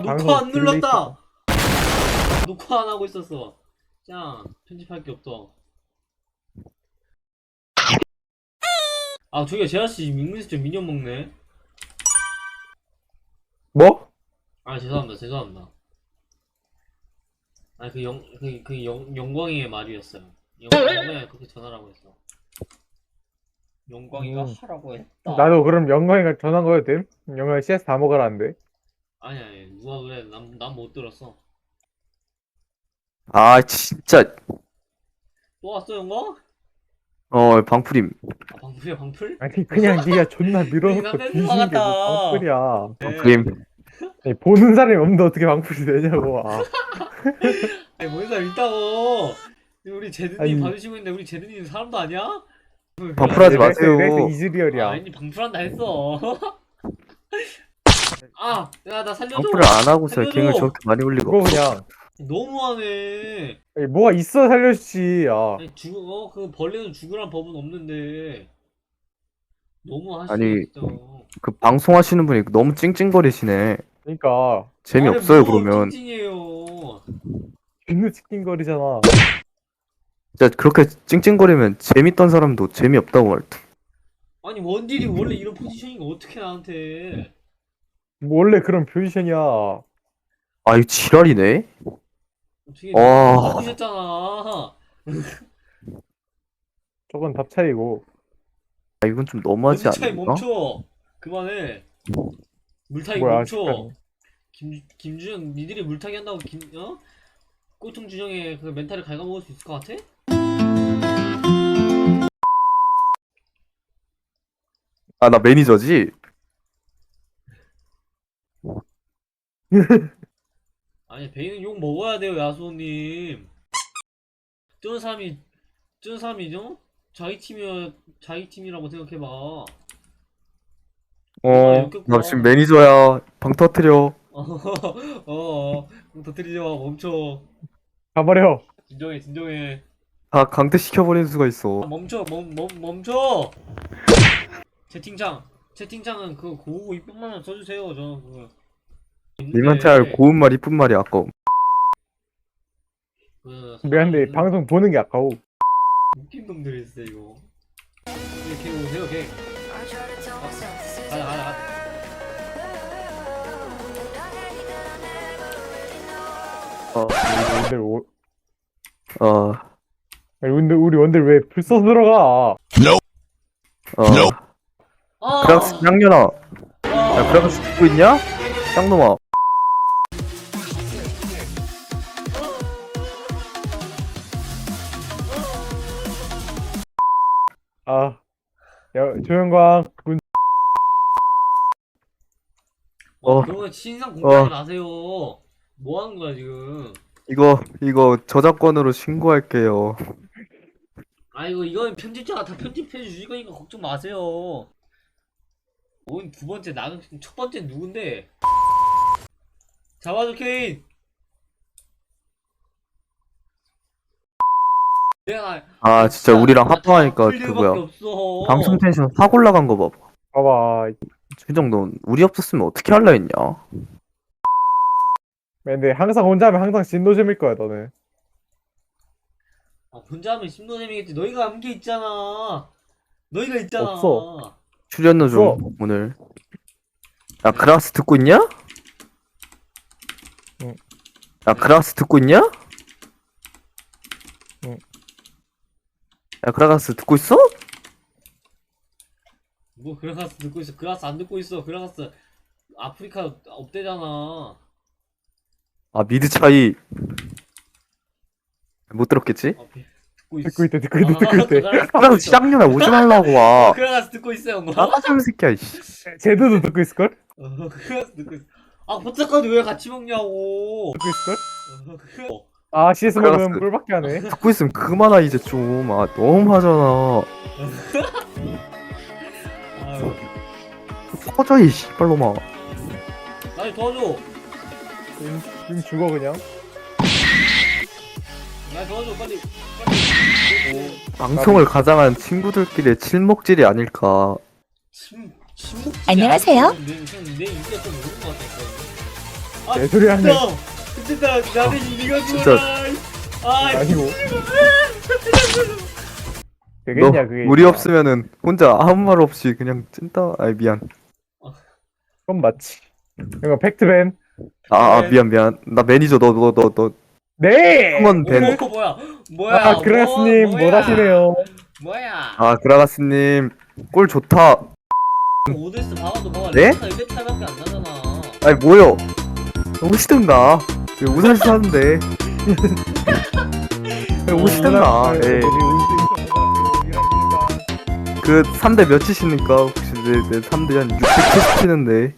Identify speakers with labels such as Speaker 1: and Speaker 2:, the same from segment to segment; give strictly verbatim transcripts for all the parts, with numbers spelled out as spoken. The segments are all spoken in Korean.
Speaker 1: 녹화 안 눌렀다. 녹화 안 하고 있었어. 짱 편집할 게 없다. 아 저기요 제아씨 민민수 좀 미니언 먹네.
Speaker 2: 뭐?
Speaker 1: 아 죄송합니다 죄송합니다. 아니 그 영 그 그 영 영광이의 말이었어요. 영광에 그렇게 전화라고 했어. 영광이가
Speaker 2: 음.
Speaker 1: 하라고 했다.
Speaker 2: 나도 그럼 영광이가 전화한 거여도 됨? 영광이 씨에스 다 먹으라는데.
Speaker 1: 아니 아니 누가 그래 난 난 못 들었어.
Speaker 3: 아 진짜.
Speaker 1: 또 왔어 영광?
Speaker 3: 어 방풀임.
Speaker 1: 아 방풀이야 방풀?
Speaker 2: 아니 그냥 네가 존나 밀어놓고
Speaker 1: 나 뺏는
Speaker 2: 뒤지는
Speaker 1: 것
Speaker 2: 게 뭐
Speaker 1: 같다.
Speaker 2: 방풀이야.
Speaker 3: 방풀임.
Speaker 2: 아니, 보는 사람이 없는데 어떻게 방풀이 되냐고. 아.
Speaker 1: 아니 뭔 사람 있다고. 우리 제드님
Speaker 2: 아니.
Speaker 1: 봐주시고 있는데 우리 제드님 사람도 아니야?
Speaker 3: 방풀하지
Speaker 2: 내 렉스-
Speaker 3: 마세요.
Speaker 2: 렉스
Speaker 1: 아,
Speaker 2: 이즈리얼이야.
Speaker 1: 아니 방풀한다 했어. 아, 야 나 살려줘.
Speaker 3: 방풀을 안 하고서
Speaker 1: 살려줘.
Speaker 3: 갱을 저렇게 많이 올리고.
Speaker 2: 그거 그냥
Speaker 1: 너무하네.
Speaker 2: 아니, 뭐가 있어 살려주지. 아.
Speaker 1: 아니 죽어 그 벌레는 죽으란 법은 없는데 너무 하시네
Speaker 3: 아니,
Speaker 1: 진짜.
Speaker 3: 그 방송하시는 분이 너무 찡찡거리시네.
Speaker 2: 그러니까
Speaker 3: 재미없어요
Speaker 1: 아니, 뭐
Speaker 3: 그러면.
Speaker 1: 찡찡이에요.
Speaker 2: 존나 치킨거리잖아.
Speaker 3: 진짜 그렇게 찡찡거리면 재밌던 사람도 재미없다고 할 듯.
Speaker 1: 아니 원딜이 원래 이런 포지션인가 어떻게 나한테?
Speaker 2: 뭐 원래 그런 포지션이야.
Speaker 3: 아 이거 지랄이네.
Speaker 1: 어떻게
Speaker 3: 와.
Speaker 1: 바꾸셨잖아.
Speaker 2: 저건 답 차이고.
Speaker 3: 아 이건 좀 너무하지
Speaker 1: 어디 차이
Speaker 3: 않나?
Speaker 1: 멈춰. 그만해. 물타기
Speaker 2: 뭐야,
Speaker 1: 멈춰.
Speaker 2: 아직까지.
Speaker 1: 김 김준영 니들이 물타기 한다고 김 어? 꼴통 준영의 그 멘탈을 갉아먹을 수 있을 것 같아?
Speaker 3: 아 나 매니저지?
Speaker 1: 아니 베이는 욕 먹어야 돼요 야수님. 저런 사람이 저런 사람이죠? 자기 팀이야 자기 팀이라고 생각해봐.
Speaker 3: 어,
Speaker 1: 욕했구나.
Speaker 3: 나 지금 매니저야. 방 터트려.
Speaker 1: 어어 터뜨리지 마 멈춰.
Speaker 2: 가버려.
Speaker 1: 진정해 진정해.
Speaker 3: 다 강퇴시켜버리는 수가
Speaker 1: 아,
Speaker 3: 있어.
Speaker 1: 멈춰 멈, 멈, 멈춰. 채팅창 채팅창은 그 고우고 이쁜 말만 써주세요. 저 그거
Speaker 3: 님한테 할 고운 말 이쁜 말이 아까워.
Speaker 1: 그
Speaker 2: 미안한데
Speaker 1: 사람
Speaker 2: 방송 보는 게 아까워.
Speaker 1: 웃긴 놈들이 있어 이거. 이렇게 오세요 걔. 가자 가자 가자.
Speaker 3: 어,
Speaker 2: 원들 오...
Speaker 3: 어,
Speaker 2: 아니, 근데 우리 원들 왜 불써 들어가?
Speaker 3: 어.
Speaker 1: 아!
Speaker 3: 그랑스 쌍년아. 야,
Speaker 1: 아!
Speaker 3: 그랑스 듣고 있냐? 쌍놈아.
Speaker 2: 아, 야 조영광 군.
Speaker 1: 어,
Speaker 3: 어.
Speaker 1: 그런 거 신상 공개하지
Speaker 3: 어.
Speaker 1: 마세요. 뭐 하는 거야 지금?
Speaker 3: 이거, 이거 저작권으로 신고할게요.
Speaker 1: 아이고 이건 편집자가 다 편집해 주실 거니까 걱정 마세요. 뭔 두 번째 나는 첫 번째 누군데? 잡아줘 케인. 내가
Speaker 3: 아, 진짜 우리랑 합방하니까
Speaker 1: 풀
Speaker 3: 그
Speaker 1: 일밖에
Speaker 3: 뭐야.
Speaker 1: 없어.
Speaker 3: 방송 텐션 확 올라간 거 봐봐.
Speaker 2: 봐봐.
Speaker 3: 최정, 너 우리 없었으면 어떻게 할라 했냐?
Speaker 2: 근데 항상 혼자 하면 항상 진노잼일 거야 너는.
Speaker 1: 아, 혼자 하면 심노잼이겠지. 너희가 한 게 있잖아. 너희가 있잖아.
Speaker 2: 없어.
Speaker 3: 출연료 좀
Speaker 2: 없어.
Speaker 3: 오늘. 야, 그라스 듣고 있냐?
Speaker 2: 응.
Speaker 3: 야, 그라스 듣고 있냐?
Speaker 2: 응.
Speaker 3: 야, 그라가스 듣고 있어?
Speaker 1: 뭐 그라가스 듣고 있어. 그라가스 안 듣고 있어. 그라가스 아프리카 없대잖아.
Speaker 3: 아, 미드 차이. 못 들었겠지?
Speaker 1: 아, 비- 듣고 있어.
Speaker 2: 듣고 있대 듣고 있대 듣고 있대.
Speaker 1: 그라가스 듣고
Speaker 3: 그라가스
Speaker 1: 있어.
Speaker 3: 쌍년아 오지 말라고
Speaker 1: 어,
Speaker 3: 와.
Speaker 1: 그라가스 듣고 있어요. 뭐?
Speaker 3: 나가자, 이 새끼야, 이씨.
Speaker 2: 제드도 듣고 있을걸?
Speaker 1: 어, 그라가스 듣고 있어. 아, 포착까지 왜 같이 먹냐고.
Speaker 2: 듣고 있을걸?
Speaker 1: 어, 그- 어,
Speaker 2: 아 씨에스
Speaker 3: 그라가스.
Speaker 2: 먹으면 꿀밖에 안 해.
Speaker 3: 듣고 있으면 그만하, 이제 좀. 아, 너무 하잖아.
Speaker 1: 아유,
Speaker 3: 꺼져, 이 씨발놈아.
Speaker 1: 나 도와줘.
Speaker 2: 지금, 지금 죽어 그냥.
Speaker 1: 나 도와줘 빨리. 빨리.
Speaker 3: 방송을 가장한 친구들끼리의 칠목질이 아닐까.
Speaker 1: 침, 침묵.
Speaker 4: 안녕하세요.
Speaker 1: 내, 내, 내 인기가 좀 오른 것 같다니까. 아
Speaker 2: 개소리 하네.
Speaker 1: 진짜 진짜 나를 니가
Speaker 3: 진짜.
Speaker 1: 죽어라. 아
Speaker 2: 아니고.
Speaker 3: 너
Speaker 2: 되겠냐 그게.
Speaker 3: 우리 없으면은 혼자 아무 말 없이 그냥 찐따. 아이 미안.
Speaker 2: 그건 맞지. 이거 팩트맨.
Speaker 3: 아, 아 미안 미안. 나 매니저 너 너 너 너
Speaker 2: 네.
Speaker 3: 한번 벤.
Speaker 1: 오 뭐야 뭐야
Speaker 2: 아 그라스님
Speaker 1: 뭐,
Speaker 2: 뭘
Speaker 1: 뭐야?
Speaker 2: 하시네요.
Speaker 1: 뭐야
Speaker 3: 아 그라가스님 꼴 좋다.
Speaker 1: 오데스 봐봐도 봐봐
Speaker 3: 네?
Speaker 1: 레벨 팔밖에 안 나잖아.
Speaker 3: 아니 뭐요? 오시든가. 왜 우산시 사는데? 왜 오시든가. 예. 그 삼 대 몇이십니까? 혹시 내내 삼 대 한 육백칠십 치는데.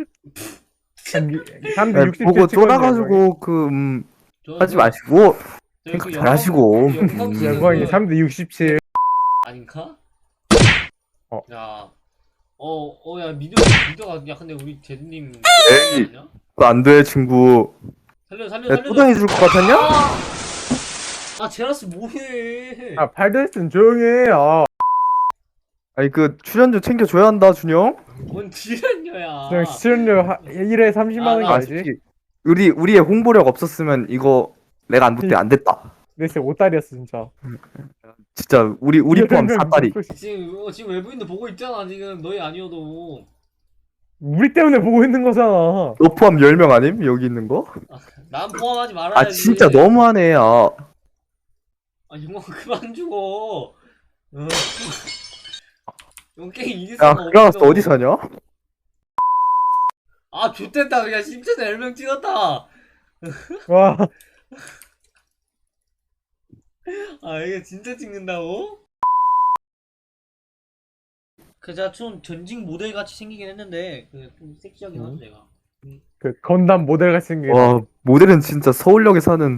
Speaker 2: 삼 대
Speaker 3: 아니,
Speaker 2: 육십
Speaker 3: 보고 쫄아가지고 그 음, 하지 마시고 생각 잘 하시고.
Speaker 2: 영광이 삼 대 육십칠.
Speaker 1: 아닌가?
Speaker 2: 어.
Speaker 1: 야, 어, 어, 야, 미드, 미드가, 야, 근데 우리 제드님.
Speaker 3: 에이. 그거 안 돼 친구.
Speaker 1: 살려, 살려,
Speaker 3: 내가
Speaker 1: 살려.
Speaker 3: 또 당해줄 것 같았냐?
Speaker 1: 아, 제라스 뭐해?
Speaker 2: 아 팔데스는 조용히 해. 아
Speaker 3: 아니 그 출연료 챙겨줘야 한다 준영.
Speaker 1: 뭔 지랄녀야.
Speaker 2: 그냥 수련료 일 회 삼십만 원이
Speaker 1: 아, 나
Speaker 2: 알지?
Speaker 3: 솔직히 우리 우리의 홍보력 없었으면 이거 내가 안 붙대 안 됐다.
Speaker 2: 내 진짜 오다리였어 진짜.
Speaker 3: 진짜 우리 우리 포함 사다리.
Speaker 1: 지금, 어, 지금 외부인도 보고 있잖아, 지금. 너희 아니어도.
Speaker 2: 우리 때문에 보고 있는 거잖아.
Speaker 3: 너 포함 열 명 아님? 여기 있는 거?
Speaker 1: 난 포함하지 말아야지.
Speaker 3: 아 진짜 너무하네. 아,
Speaker 1: 아, 영광 그만 죽어. 어. 이거 게임 이길
Speaker 3: 야
Speaker 1: 수가
Speaker 3: 그라가스
Speaker 1: 없어.
Speaker 3: 어디 사냐?
Speaker 1: 아, 좋됐다. 그냥 심지어 열 명 찍었다.
Speaker 2: 와
Speaker 1: 아, 이게 진짜 찍는다고? 그자 좀 전직 모델 같이 생기긴 했는데 그 좀 섹시하긴
Speaker 2: 음.
Speaker 1: 하죠 제가.
Speaker 2: 그 건담 모델 같이 생긴.
Speaker 3: 와 모델은 진짜 서울역에 사는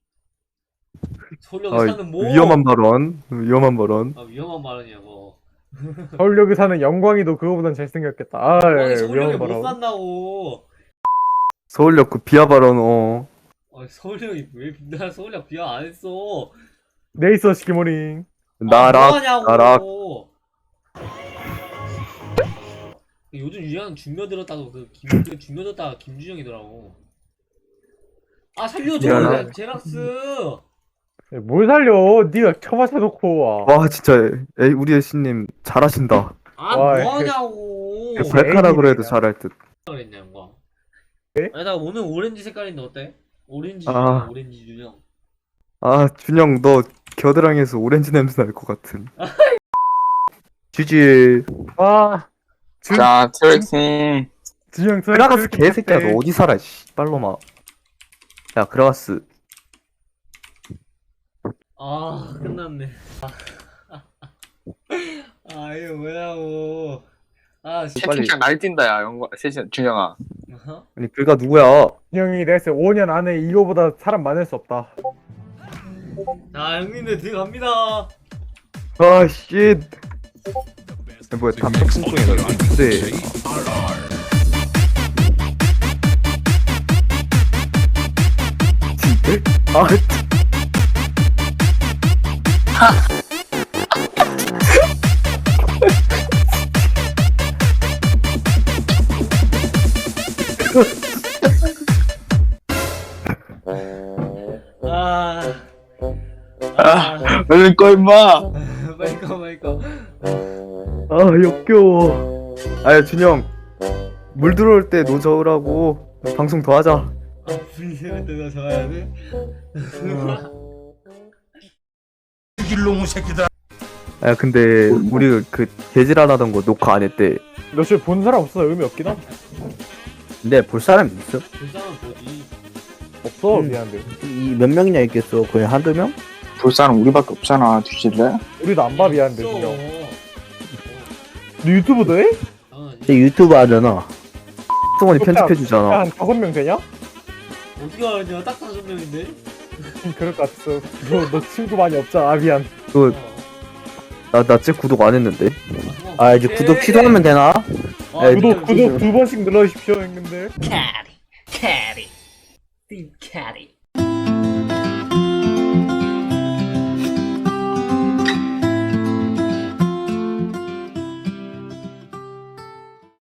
Speaker 1: 서울역에
Speaker 3: 아,
Speaker 1: 사는 뭐?
Speaker 3: 위험한 발언. 위험한 발언.
Speaker 1: 아 위험한 발언이냐고.
Speaker 2: 서울역에 사는 영광이도 그거보단 잘생겼겠다. 아
Speaker 1: 아니
Speaker 2: 예,
Speaker 1: 서울역에
Speaker 2: 위험한
Speaker 1: 못
Speaker 2: 바람.
Speaker 1: 산다고.
Speaker 3: 서울역 그 비하 발언. 어.
Speaker 1: 아 서울역이 왜 나 서울역 비하 안 했어.
Speaker 2: 네 있어 시키모링.
Speaker 3: 나락
Speaker 1: 아, 뭐하냐고.
Speaker 3: 나락.
Speaker 1: 요즘 유행하는 중며 들었다고 그 김, 그 중며 들었다가 김준영이더라고. 아 살려줘
Speaker 3: 미안하다.
Speaker 1: 야, 제락스.
Speaker 2: 뭘 살려? 네가 쳐맞춰 놓고 와.
Speaker 3: 와 진짜 에이 우리 애신님 잘하신다.
Speaker 1: 아
Speaker 2: 와,
Speaker 1: 뭐하냐고.
Speaker 3: 그 발가락으로 해도
Speaker 2: 애기들이야.
Speaker 3: 잘할 듯.
Speaker 1: 그랬냐 영광.
Speaker 2: 네?
Speaker 1: 아니 나 오늘 오렌지 색깔인데 어때? 오렌지
Speaker 3: 아.
Speaker 1: 준영 오렌지 준영.
Speaker 3: 아 준영 너 겨드랑이에서 오렌지 냄새 날 것 같은. 지지.
Speaker 2: 와. 준-
Speaker 4: 자, 트렉스님.
Speaker 2: 준영 저
Speaker 3: 그라가스 개새끼야 너 어디 살아 씨 빨로마. 야 그라가스.
Speaker 1: 아 끝났네. 아 이거 뭐냐고. 아 씨.
Speaker 3: 빨리.
Speaker 4: 채팅창 날뛴다, 야, 영광, 세진, 준영아.
Speaker 1: 어허?
Speaker 3: 아니 그가 누구야?
Speaker 2: 준영이 내가 오 년 안에 이거보다 사람 많을 수 없다.
Speaker 1: 자 형님들 들어갑니다.
Speaker 3: 아 씨. 뭐야 다 턱신통이다. 네. 진짜? 아
Speaker 1: 아.
Speaker 4: 아,
Speaker 1: 아.
Speaker 4: 얼른 꺼, 임마!
Speaker 1: 빨리 꺼 빨리 꺼.
Speaker 3: 아 역겨워. 아야 준영 물 들어올 때 노저으라고 방송 더 하자.
Speaker 1: 아 불리할 때나 적어야 돼.
Speaker 3: 아 근데 우리 그 개질안 하던 거 녹화 안 했대.
Speaker 2: 너 지금 본 사람 없어서 의미 없긴 함.
Speaker 3: 근데 볼 사람 있어?
Speaker 1: 불쌍한 거지.
Speaker 2: 없어
Speaker 5: 음.
Speaker 2: 미안한데.
Speaker 5: 이 몇 명이나 있겠어? 거의 한두 명?
Speaker 4: 볼 사람 우리밖에 없잖아, 뒤질래?
Speaker 2: 우리도 안 봐 미안한데
Speaker 1: 없어.
Speaker 2: 준영. 너 유튜브도 해?
Speaker 1: 당연하지.
Speaker 5: 쟤 유튜브 하잖아.
Speaker 3: 성원이 편집해주잖아.
Speaker 2: 한 다섯 명 되냐?
Speaker 1: 어떻게 알았냐? 딱 다섯 명인데.
Speaker 2: 음, 그럴 것 같았어. 너, 너 친구 많이 없잖아. 아 미안.
Speaker 3: 그
Speaker 1: 어.
Speaker 3: 나 나 쟤 구독 안 했는데.
Speaker 5: 아 이제 구독 취소하면 되나?
Speaker 1: 아,
Speaker 3: 에,
Speaker 2: 구독
Speaker 1: 근데-
Speaker 2: 구독 두 번씩 눌러주십시오 형님들.
Speaker 1: 캐리 캐리 팀 캐리